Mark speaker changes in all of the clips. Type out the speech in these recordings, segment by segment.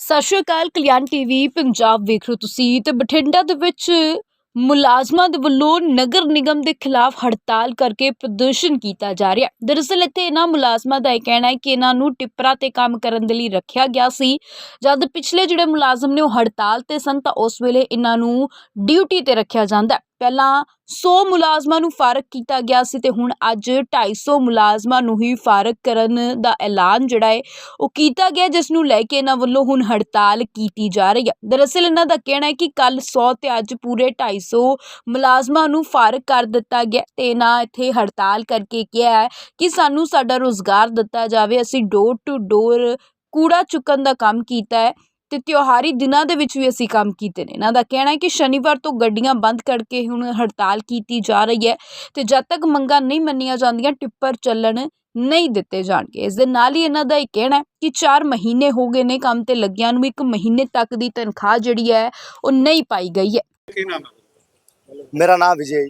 Speaker 1: ਸਤਿ ਸ਼੍ਰੀ ਅਕਾਲ। ਕਲਿਆਣ ਟੀਵੀ ਪੰਜਾਬ ਵੇਖ ਰਹੇ ਹੋ ਤੁਸੀਂ ਤੇ ਬਠਿੰਡਾ ਦੇ ਵਿੱਚ ਮੁਲਾਜ਼ਮਾਂ ਦੇ ਵੱਲੋਂ ਨਗਰ ਨਿਗਮ ਦੇ ਖਿਲਾਫ ਹੜਤਾਲ ਕਰਕੇ ਪ੍ਰਦਰਸ਼ਨ ਕੀਤਾ ਜਾ ਰਿਹਾ। ਦਰਅਸਲ ਇੱਥੇ ਇਹਨਾਂ ਮੁਲਾਜ਼ਮਾਂ ਦਾ ਇਹ ਕਹਿਣਾ ਹੈ ਕਿ ਇਹਨਾਂ ਨੂੰ ਟਿੱਪਰਾਂ ਤੇ ਕੰਮ ਕਰਨ ਦੇ ਲਈ ਰੱਖਿਆ ਗਿਆ ਸੀ। ਜਦ ਪਿਛਲੇ ਜਿਹੜੇ ਮੁਲਾਜ਼ਮ ਨੇ ਉਹ ਹੜਤਾਲ ਤੇ ਸਨ ਤਾਂ ਉਸ ਵੇਲੇ ਇਹਨਾਂ ਨੂੰ ਡਿਊਟੀ ਤੇ ਰੱਖਿਆ ਜਾਂਦਾ। ਪਹਿਲਾਂ 100 ਮੁਲਾਜ਼ਮਾਂ ਨੂੰ ਫਾਰਗ ਕੀਤਾ ਗਿਆ ਸੀ ਤੇ ਹੁਣ ਅੱਜ 250 ਮੁਲਾਜ਼ਮਾਂ ਨੂੰ ਹੀ ਫਾਰਗ ਕਰਨ ਦਾ ਐਲਾਨ ਜਿਹੜਾ ਹੈ ਉਹ ਕੀਤਾ ਗਿਆ, ਜਿਸ ਨੂੰ ਲੈ ਕੇ ਇਹਨਾਂ ਵੱਲੋਂ ਹੁਣ ਹੜਤਾਲ ਕੀਤੀ ਜਾ ਰਹੀ ਹੈ। ਦਰਅਸਲ ਇਹਨਾਂ ਦਾ ਕਹਿਣਾ ਹੈ ਕਿ ਕੱਲ 100 ਤੇ ਅੱਜ ਪੂਰੇ 250 ਮੁਲਾਜ਼ਮਾਂ ਨੂੰ ਫਾਰਗ ਕਰ ਦਿੱਤਾ ਗਿਆ ਤੇ ਇਹਨਾਂ ਇੱਥੇ ਹੜਤਾਲ ਕਰਕੇ ਕਿਹਾ ਹੈ ਕਿ ਸਾਨੂੰ ਸਾਡਾ ਰੁਜ਼ਗਾਰ ਦਿੱਤਾ ਜਾਵੇ। ਅਸੀਂ ਡੋਰ ਟੂ ਡੋਰ ਕੂੜਾ ਚੁੱਕਣ ਦਾ ਕੰਮ ਕੀਤਾ ਹੈ ਤੇ ਤਿਉਹਾਰੀ ਦਿਨਾਂ ਦੇ ਵਿੱਚ ਵੀ ਅਸੀਂ ਕੰਮ ਕੀਤੇ ਨੇ। ਇਹਨਾਂ ਦਾ ਕਹਿਣਾ ਹੈ ਕਿ ਸ਼ਨੀਵਾਰ ਤੋਂ ਗੱਡੀਆਂ ਬੰਦ ਕਰਕੇ ਹੁਣ ਹੜਤਾਲ ਕੀਤੀ ਜਾ ਰਹੀ ਹੈ ਤੇ ਜਦ ਤੱਕ ਮੰਗਾਂ ਨਹੀਂ ਮੰਨੀਆਂ ਜਾਂਦੀਆਂ ਟਿੱਪਰ ਚੱਲਣ ਨਹੀਂ ਦਿੱਤੇ ਜਾਣਗੇ। ਇਸ ਦੇ ਨਾਲ ਹੀ ਇਹਨਾਂ ਦਾ ਇਹ ਕਹਿਣਾ ਹੈ ਕਿ 4 ਮਹੀਨੇ ਹੋ ਗਏ ਨੇ ਕੰਮ ਤੇ ਲੱਗਿਆਂ ਨੂੰ, 1 ਮਹੀਨੇ ਤੱਕ ਦੀ ਤਨਖਾਹ ਜਿਹੜੀ ਹੈ ਉਹ ਨਹੀਂ ਪਾਈ ਗਈ ਹੈ।
Speaker 2: ਕੀ ਨਾਮ ਹੈ?
Speaker 3: ਮੇਰਾ ਨਾਮ ਵਿਜੇ।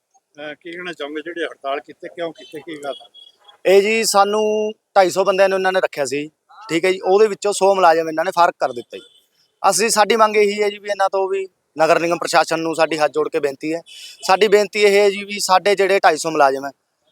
Speaker 2: ਕੀ ਕਹਿਣਾ ਚਾਹੋਗੇ ਜਿਹੜੇ ਹੜਤਾਲ ਕੀਤੇ, ਕਿਉਂ ਕੀਤੇ, ਕੀ ਗੱਲ?
Speaker 3: ਇਹ ਜੀ ਸਾਨੂੰ 250 ਬੰਦਿਆਂ ਨੂੰ ਇਹਨਾਂ ਨੇ ਰੱਖਿਆ ਸੀ, ਠੀਕ ਹੈ ਜੀ। ਉਹਦੇ ਵਿੱਚੋਂ 100 ਮੁਲਾਜ਼ਮ ਇਹਨਾਂ ਨੇ ਫਰਕ ਕਰ ਦਿੱਤਾ ਜੀ। ਸਾਡੀ ਮੰਗ ਇਹੀ ਹੈ ਜੀ ਵੀ ਇਹਨਾਂ ਤੋਂ ਵੀ ਨਗਰ ਨਿਗਮ ਪ੍ਰਸ਼ਾਸਨ ਨੂੰ ਸਾਡੀ ਹੱਥ ਜੋੜ ਕੇ ਬੇਨਤੀ ਹੈ। ਸਾਡੀ ਬੇਨਤੀ ਇਹ ਹੈ ਜੀ ਵੀ ਸਾਡੇ ਜਿਹੜੇ 250 ਮੁਲਾਜ਼ਮ ਹੈ,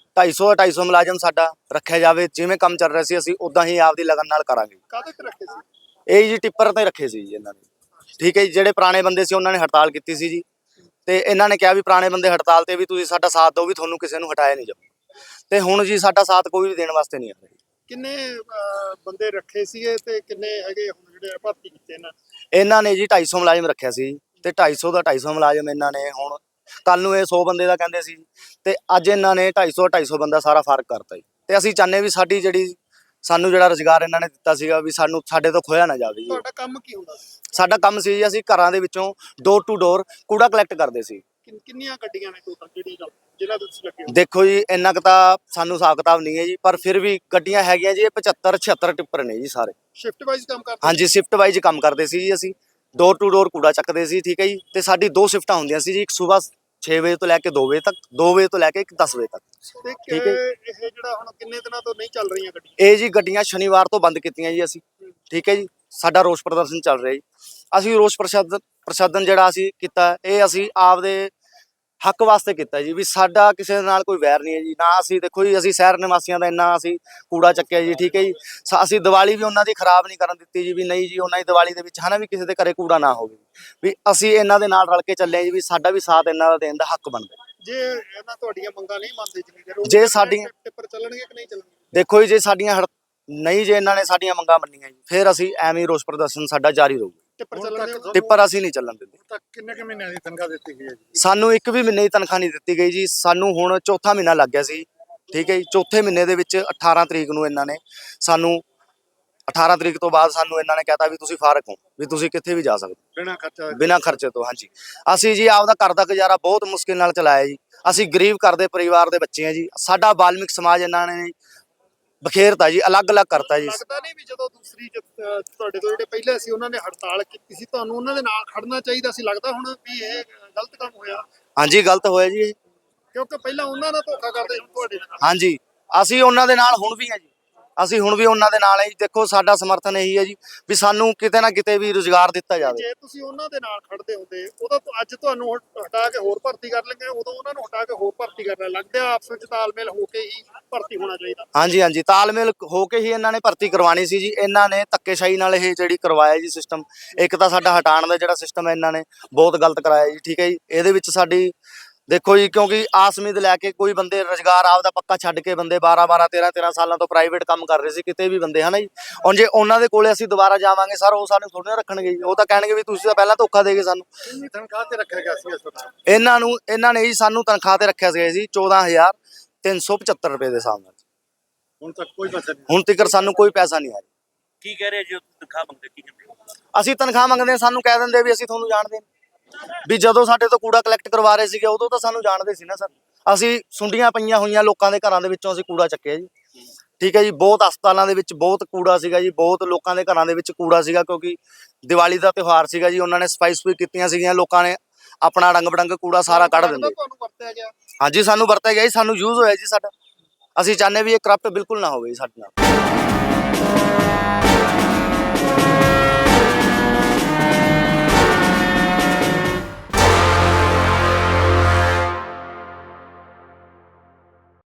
Speaker 3: 250 ਮੁਲਾਜ਼ਮ ਸਾਡਾ ਰੱਖਿਆ ਜਾਵੇ। ਜਿਵੇਂ ਕੰਮ ਚੱਲ ਰਿਹਾ ਸੀ ਅਸੀਂ ਉਦਾਂ ਹੀ ਆਪਦੀ ਲਗਨ ਨਾਲ ਕਰਾਂਗੇ।
Speaker 2: ਕਾਹਦੇ ਤੇ ਰੱਖੇ ਸੀ?
Speaker 3: ਇਹ ਜੀ ਟਿੱਪਰ ਤੇ ਰੱਖੇ ਸੀ ਜੀ ਇਹਨਾਂ ਨੇ, ਠੀਕ ਹੈ ਜੀ। ਜਿਹੜੇ ਪੁਰਾਣੇ ਬੰਦੇ ਸੀ ਉਹਨਾਂ ਨੇ ਹੜਤਾਲ ਕੀਤੀ ਸੀ ਜੀ, ਤੇ ਇਹਨਾਂ ਨੇ ਕਿਹਾ ਵੀ ਪੁਰਾਣੇ ਬੰਦੇ ਹੜਤਾਲ ਤੇ ਵੀ ਤੁਸੀਂ ਸਾਡਾ ਸਾਥ ਦਿਓ, ਵੀ ਤੁਹਾਨੂੰ ਕਿਸੇ ਨੂੰ ਹਟਾਇਆ ਨਹੀਂ ਜਾਊ। ਤੇ ਹੁਣ ਜੀ ਸਾਡਾ ਸਾਥ ਕੋਈ ਵੀ ਦੇਣ ਵਾਸਤੇ ਨਹੀਂ ਆ ਰਿਹਾ।
Speaker 2: ਕਿੰਨੇ ਬੰਦੇ ਰੱਖੇ ਸੀਗੇ ਤੇ ਕਿੰਨੇ ਹੈਗੇ ਹੁਣ ਜਿਹੜੇ ਭਰਤੀ ਕੀਤੇ
Speaker 3: ਇਹਨਾਂ ਨੇ ਜੀ 250 ਮੁਲਾਜ਼ਮ ਰੱਖਿਆ ਸੀ ਤੇ 250 ਮੁਲਾਜ਼ਮ ਇਹਨਾਂ ਨੇ ਹੁਣ ਕੱਲ ਨੂੰ ਇਹ 100 ਬੰਦੇ ਦਾ ਕਹਿੰਦੇ ਸੀ ਤੇ ਅੱਜ ਇਹਨਾਂ ਨੇ 250 ਬੰਦਾ ਸਾਰਾ ਫਰਕ ਕਰਤਾ ਜੀ। ਤੇ ਅਸੀਂ ਚਾਹੁੰਦੇ ਵੀ ਸਾਡੀ ਸਾਨੂੰ ਜਿਹੜਾ ਰੁਜ਼ਗਾਰ ਇਹਨਾਂ ਨੇ ਦਿੱਤਾ ਸੀਗਾ ਵੀ ਸਾਡੇ ਤੋਂ ਖੋਇਆ ਨਾ ਜਾਵੇ ਜੀ।
Speaker 2: ਤੁਹਾਡਾ ਕੰਮ ਕੀ ਹੁੰਦਾ ਸੀ?
Speaker 3: ਸਾਡਾ ਕੰਮ ਸੀ ਜੀ ਅਸੀਂ ਘਰਾਂ ਦੇ ਵਿੱਚੋਂ ਡੋਰ ਟੂ ਡੋਰ ਕੂੜਾ ਕਲੈਕਟ ਕਰਦੇ ਸੀ।
Speaker 2: ਕਿੰਨੀਆਂ ਗੱਡੀਆਂ ਨੇ ਟੋਟਲ ਜਿਹਨਾਂ ਦੇ ਤੁਸੀਂ ਲੱਗੇ ਹੋ?
Speaker 3: ਦੇਖੋ ਜੀ ਇੰਨਾ ਕੁ ਤਾਂ ਸਾਨੂੰ ਹਿਸਾਬ ਕਿਤਾਬ ਨਹੀਂ ਹੈ ਜੀ, ਪਰ ਫਿਰ ਵੀ ਗੱਡੀਆਂ ਹੈਗੀਆਂ ਜੀ। ਇਹ 75-76 ਟਿੱਪਰ ਨੇ ਜੀ ਸਾਰੇ।
Speaker 2: ਸ਼ਿਫਟ ਵਾਈਜ਼ ਕੰਮ ਕਰਦੇ?
Speaker 3: ਹਾਂਜੀ, ਸ਼ਿਫਟ ਵਾਈਜ਼ ਕੰਮ ਕਰਦੇ ਸੀ ਜੀ। ਅਸੀਂ ਡੋਰ ਟੂ ਡੋਰ ਕੂੜਾ ਚੱਕਦੇ ਸੀ, ਠੀਕ ਹੈ ਜੀ। ਤੇ ਸਾਡੀ 2 ਸ਼ਿਫਟਾਂ ਹੁੰਦੀਆਂ ਸੀ ਜੀ, ਇੱਕ ਸਵੇਰ 6 ਵਜੇ ਤੋਂ ਲੈ ਕੇ 2 ਵਜੇ ਤੱਕ, 2 ਵਜੇ ਤੋਂ ਲੈ ਕੇ 10 ਵਜੇ ਤੱਕ।
Speaker 2: ਤੇ
Speaker 3: ਠੀਕ ਹੈ।
Speaker 2: ਇਹ ਜਿਹੜਾ ਹੁਣ ਕਿੰਨੇ ਦਿਨਾਂ ਤੋਂ ਨਹੀਂ ਚੱਲ ਰਹੀਆਂ ਗੱਡੀਆਂ?
Speaker 3: ਇਹ ਜੀ ਗੱਡੀਆਂ ਸ਼ਨੀਵਾਰ ਤੋਂ ਬੰਦ ਕੀਤੀਆਂ ਜੀ ਅਸੀਂ, ਠੀਕ ਹੈ ਜੀ। ਸਾਡਾ ਰੋਸ ਪ੍ਰਦਰਸ਼ਨ ਚੱਲ ਰਿਹਾ ਜੀ। ਅਸੀਂ ਰੋਸ ਪ੍ਰਦਰਸ਼ਨ ਜਿਹੜਾ ਅਸੀਂ ਕੀਤਾ, ਇਹ ਅਸੀਂ ਆਪਦੇ ਹੱਕ ਵਾਸਤੇ ਕੀਤਾ ਜੀ, ਵੀ ਸਾਡਾ ਕਿਸੇ ਦੇ ਨਾਲ ਕੋਈ ਵੈਰ ਨਹੀਂ ਹੈ ਜੀ। ਨਾ ਅਸੀਂ ਦੇਖੋ ਜੀ ਅਸੀਂ ਸ਼ਹਿਰ ਨਿਵਾਸੀਆਂ ਦਾ ਇੰਨਾ ਅਸੀਂ ਕੂੜਾ ਚੱਕਿਆ ਜੀ, ਠੀਕ ਹੈ ਜੀ। ਅਸੀਂ ਦੀਵਾਲੀ ਵੀ ਉਹਨਾਂ ਦੀ ਖਰਾਬ ਨਹੀਂ ਕਰਨ ਦਿੱਤੀ ਜੀ, ਵੀ ਨਹੀਂ ਜੀ ਉਹਨਾਂ ਦੀ ਦੀਵਾਲੀ ਦੇ ਵਿੱਚ ਹਨਾ ਵੀ ਕਿਸੇ ਦੇ ਘਰੇ ਕੂੜਾ ਨਾ ਹੋਵੇ। ਵੀ ਅਸੀਂ ਇਹਨਾਂ ਦੇ ਨਾਲ ਰਲ ਕੇ ਚੱਲੇ ਜੀ, ਵੀ ਸਾਡਾ ਵੀ ਸਾਥ ਇਹਨਾਂ ਦਾ ਦੇਣ ਦਾ ਹੱਕ ਬਣਦਾ।
Speaker 2: ਜੇ ਇਹਨਾਂ ਤੁਹਾਡੀਆਂ ਮੰਗਾਂ ਨਹੀਂ ਮੰਨਦੇ
Speaker 3: ਜੇ ਸਾਡੀਆਂ
Speaker 2: ਟਿੱਪਰ ਚੱਲਣਗੇ ਕਿ ਨਹੀਂ ਚੱਲਣਗੇ?
Speaker 3: ਦੇਖੋ ਜੀ ਜੇ ਸਾਡੀਆਂ ਨਹੀਂ, ਜੇ ਇਹਨਾਂ ਨੇ ਸਾਡੀਆਂ ਮੰਗਾਂ ਮੰਨੀਆਂ ਜੀ, ਫਿਰ ਅਸੀਂ ਐਵੇਂ ਰੋਸ ਪ੍ਰਦਰਸ਼ਨ ਸਾਡਾ ਜਾਰੀ ਰਹੂਗਾ। ਟਿੱਪਰ ਅਸੀਂ ਨਹੀਂ ਚੱਲਣ ਦਿੰਦੇ।
Speaker 2: ਕਿੰਨੇ ਮਹੀਨਿਆਂ ਦੀ ਤਨਖਾਹ ਦਿੱਤੀ ਗਈ ਹੈ ਜੀ?
Speaker 3: ਸਾਨੂੰ 1 ਵੀ ਮਹੀਨੇ ਦੀ ਤਨਖਾਹ ਨਹੀਂ ਦਿੱਤੀ ਗਈ ਜੀ। ਸਾਨੂੰ ਹੁਣ 4ਥਾ ਮਹੀਨਾ ਲੱਗ ਗਿਆ ਸੀ, ਠੀਕ ਹੈ ਜੀ। 4ਥੇ ਮਹੀਨੇ ਦੇ ਵਿੱਚ 18 ਤਰੀਕ ਨੂੰ ਇਹਨਾਂ ਨੇ ਸਾਨੂੰ 18 ਤਰੀਕ ਤੋਂ ਬਾਅਦ ਸਾਨੂੰ ਇਹਨਾਂ ਨੇ ਕਹਿਤਾ ਵੀ ਤੁਸੀਂ ਫਾਰਗ ਹੋ, ਵੀ ਤੁਸੀਂ ਕਿੱਥੇ ਵੀ ਜਾ ਸਕਦੇ ਬਿਨਾਂ ਖਰਚੇ ਤੋਂ। ਹਾਂਜੀ, ਅਸੀਂ ਜੀ ਆਪਦਾ ਘਰ ਦਾ ਗੁਜ਼ਾਰਾ ਬਹੁਤ ਮੁਸ਼ਕਿਲ ਨਾਲ ਚਲਾਇਆ ਜੀ। ਅਸੀਂ ਗਰੀਬ ਘਰ ਦੇ ਪਰਿਵਾਰ ਦੇ ਬੱਚੇ ਆ ਜੀ। ਸਾਡਾ ਬਾਲਮਿਕ ਸਮਾਜ ਇਹਨਾਂ ਨੇ ਬਖੇਰਤਾ ਜੀ, ਅਲੱਗ-ਅਲੱਗ ਕਰਤਾ ਜੀ।
Speaker 2: ਲੱਗਦਾ ਨਹੀਂ ਵੀ ਜਦੋਂ ਦੂਸਰੀ ਤੁਹਾਡੇ ਤੋਂ ਜਿਹੜੇ ਪਹਿਲੇ ਸੀ ਉਹਨਾਂ ਨੇ ਹੜਤਾਲ ਕੀਤੀ ਸੀ, ਤੁਹਾਨੂੰ ਉਹਨਾਂ ਦੇ ਨਾਲ ਖੜਨਾ ਚਾਹੀਦਾ ਸੀ? ਲੱਗਦਾ ਹੁਣ ਵੀ ਇਹ ਗਲਤ ਕੰਮ ਹੋਇਆ?
Speaker 3: ਹਾਂਜੀ, ਗਲਤ ਹੋਇਆ ਜੀ ਇਹ,
Speaker 2: ਕਿਉਂਕਿ ਪਹਿਲਾਂ ਉਹਨਾਂ ਦਾ ਧੋਖਾ ਕਰਦੇ ਹੁਣ ਤੁਹਾਡੇ ਨਾਲ।
Speaker 3: ਹਾਂਜੀ, ਅਸੀਂ ਉਹਨਾਂ ਦੇ ਨਾਲ ਹੁਣ ਵੀ ਹਾਂ ਜੀ। ਅਸੀਂ ਹੁਣ ਵੀ ਉਹਨਾਂ ਦੇ ਨਾਲ ਹੈ ਜੀ। ਦੇਖੋ ਸਾਡਾ ਸਮਰਥਨ ਇਹੀ ਹੈ ਜੀ ਵੀ ਸਾਨੂੰ ਕਿਤੇ ਨਾ ਕਿਤੇ ਵੀ ਰੁਜ਼ਗਾਰ ਦਿੱਤਾ ਜਾਵੇ। ਜੇ
Speaker 2: ਤੁਸੀਂ ਉਹਨਾਂ ਦੇ ਨਾਲ ਖੜਦੇ ਹੁੰਦੇ ਉਦੋਂ ਅੱਜ ਤੁਹਾਨੂੰ ਹਟਾ ਕੇ ਹੋਰ ਭਰਤੀ ਕਰ ਲੈਂਗੇ, ਉਦੋਂ ਉਹਨਾਂ ਨੂੰ ਹਟਾ ਕੇ ਹੋਰ ਭਰਤੀ ਕਰਨਾ ਲੱਗਦਾ ਆਪਸ ਵਿੱਚ ਤਾਲਮੇਲ ਹੋ ਕੇ ਹੀ ਭਰਤੀ ਹੋਣਾ ਚਾਹੀਦਾ।
Speaker 3: ਹਾਂਜੀ ਹਾਂਜੀ, ਤਾਲਮੇਲ ਹੋ ਕੇ ਹੀ ਇਹਨਾਂ ਨੇ ਭਰਤੀ ਕਰਵਾਉਣੀ ਸੀ ਜੀ। ਇਹਨਾਂ ਨੇ ਧੱਕੇਸ਼ਾਹੀ ਨਾਲ ਇਹ ਜਿਹੜੀ ਕਰਵਾਇਆ ਜੀ ਸਿਸਟਮ। ਇੱਕ ਤਾਂ ਸਾਡਾ ਹਟਾਉਣ ਦਾ ਜਿਹੜਾ ਸਿਸਟਮ ਹੈ ਇਹਨਾਂ ਨੇ ਬਹੁਤ ਗਲਤ ਕਰਾਇਆ ਜੀ, ਠੀਕ ਹੈ ਜੀ। ਇਹਦੇ ਵਿੱਚ ਸਾਡੀ ਦੇਖੋ ਜੀ, ਕਿਉਂਕਿ ਆਸ ਉਮੀਦ ਲੈ ਕੇ ਕੋਈ ਬੰਦੇ ਰੁਜ਼ਗਾਰ ਆਪਦਾ ਪੱਕਾ ਛੱਡ ਕੇ ਬੰਦੇ 12-12 13-13 ਸਾਲਾਂ ਤੋਂ ਪ੍ਰਾਈਵੇਟ ਕੰਮ ਕਰ ਰਹੇ ਸੀ ਕਿਤੇ ਵੀ ਬੰਦੇ, ਹਨਾ ਜੀ। ਹੁਣ ਜੇ ਉਹਨਾਂ ਦੇ ਕੋਲੇ ਅਸੀਂ ਦੁਬਾਰਾ ਜਾਵਾਂਗੇ ਸਰ, ਉਹ ਸਾਨੂੰ ਥੋੜ੍ਹੀ ਨਾ ਰੱਖਣਗੇ ਜੀ। ਉਹ ਤਾਂ ਕਹਿਣਗੇ ਵੀ ਤੁਸੀਂ ਤਾਂ ਪਹਿਲਾਂ ਧੋਖਾ ਦੇ ਗਏ ਸਾਨੂੰ।
Speaker 2: ਕਿੰਨੀ ਤਨਖਾਹ ਤੇ ਰੱਖਿਆ ਗਿਆ ਸੀ ਇਸ ਵਾਰ?
Speaker 3: ਇਹਨਾਂ ਨੇ ਜੀ ਸਾਨੂੰ ਤਨਖਾਹ ਤੇ ਰੱਖਿਆ ਸੀ ਜੀ 14,375 ਰੁਪਏ ਦੇ ਹਿਸਾਬ ਨਾਲ।
Speaker 2: ਹੁਣ ਤੱਕ ਕੋਈ ਪੈਸਾ ਨਹੀਂ?
Speaker 3: ਹੁਣ ਤੱਕ ਸਾਨੂੰ ਕੋਈ ਪੈਸਾ ਨਹੀਂ ਆਇਆ।
Speaker 4: ਕੀ ਕਹਿ ਰਹੇ ਜੀ? ਤਨਖਾਹ ਮੰਗਦੇ ਕੀ ਕਹਿੰਦੇ?
Speaker 3: ਅਸੀਂ ਤਨਖਾਹ ਮੰਗਦੇ, ਸਾਨੂੰ ਕਹਿ ਦਿੰਦੇ ਵੀ ਅਸੀਂ ਤੁਹਾਨੂੰ ਜਾਣਦੇ ਵੀ ਜਦੋਂ ਸਾਡੇ ਤੋਂ ਕੂੜਾ ਕਲੈਕਟ ਕਰਵਾ ਰਹੇ ਸੀਗੇ ਉਦੋਂ ਤਾਂ ਸਾਨੂੰ ਜਾਣਦੇ ਸੀ ਨਾ ਸਰ। ਅਸੀਂ ਸੁੰਡੀਆਂ ਪਈਆਂ ਹੋਈਆਂ ਲੋਕਾਂ ਦੇ ਘਰਾਂ ਦੇ ਵਿੱਚੋਂ ਅਸੀਂ ਕੂੜਾ ਚੱਕਿਆ ਜੀ, ਠੀਕ ਹੈ ਜੀ। ਬਹੁਤ ਹਸਪਤਾਲਾਂ ਦੇ ਵਿੱਚ ਬਹੁਤ ਕੂੜਾ ਸੀਗਾ ਜੀ, ਬਹੁਤ ਲੋਕਾਂ ਦੇ ਘਰਾਂ ਦੇ ਵਿੱਚ ਕੂੜਾ ਸੀਗਾ, ਕਿਉਂਕਿ ਦੀਵਾਲੀ ਦਾ ਤਿਉਹਾਰ ਸੀਗਾ ਜੀ। ਉਹਨਾਂ ਨੇ ਸਫਾਈ ਕੀਤੀਆਂ ਸੀਗੀਆਂ, ਲੋਕਾਂ ਨੇ ਆਪਣਾ ਰੰਗ ਬਰੰਗ ਕੂੜਾ ਸਾਰਾ ਕੱਢ ਦਿੰਦੇ।
Speaker 2: ਤੁਹਾਨੂੰ ਵਰਤਿਆ ਗਿਆ?
Speaker 3: ਹਾਂਜੀ, ਸਾਨੂੰ ਵਰਤਿਆ ਗਿਆ ਜੀ, ਸਾਨੂੰ ਯੂਜ਼ ਹੋਇਆ ਜੀ ਸਾਡਾ। ਅਸੀਂ ਚਾਹੁੰਦੇ ਵੀ ਇਹ ਕਰਪਟ ਬਿਲਕੁਲ ਨਾ ਹੋਵੇ ਸਾਡੇ ਨਾਲ।